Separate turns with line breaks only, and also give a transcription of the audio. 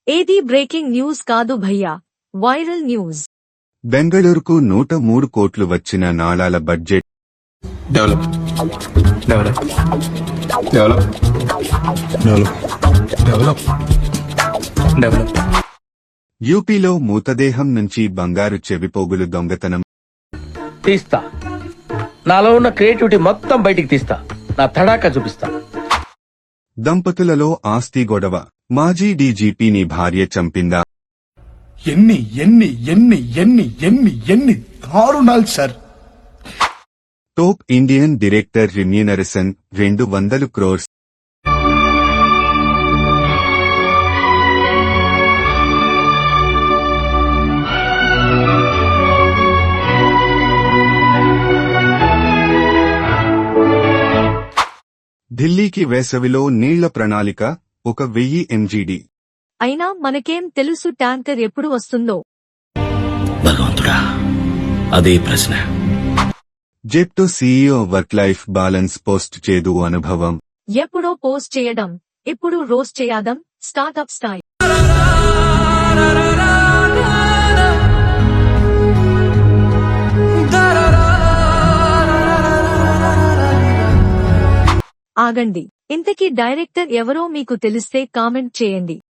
ఏది breaking news కాదు భయ్యా, వైరల్ న్యూస్.
బెంగళూరుకు 103 కోట్లు వచ్చిన నాళాల budget.
Develop develop develop develop develop develop.
యూపీలో మృతదేహం నుంచి బంగారు చెవిపోగులు దొంగతనం.
తీస్తా, నాలో ఉన్న క్రియేటివిటీ మొత్తం బయటికి తీస్తా, నా తడాకా చూపిస్తా.
దంపతులలో ఆస్తి గొడవ. మాజీ డీజీపీని భార్య చంపిందా?
ఎన్ని ఎన్ని ఎన్ని ఎన్ని ఎన్ని ఎన్ని దారుణాలు sir.
Top Indian director remuneration 200 crores. ఢిల్లీకి వేసవిలో నీళ్ల ప్రణాళిక 1000 MGD.
అయినా మనకేం తెలుసు ట్యాంకర్ ఎప్పుడు వస్తుందో.
భగవంతుడా, అదే ప్రశ్న.
Zepto CEO work life balance post చేదు అనుభవం.
ఎప్పుడో పోస్ట్ చేయడం, ఇప్పుడు రోస్ట్ చేయడం. Startup style. ఆగండి, ఇంతకీ డైరెక్టర్ ఎవరో మీకు తెలిస్తే కామెంట్ చేయండి.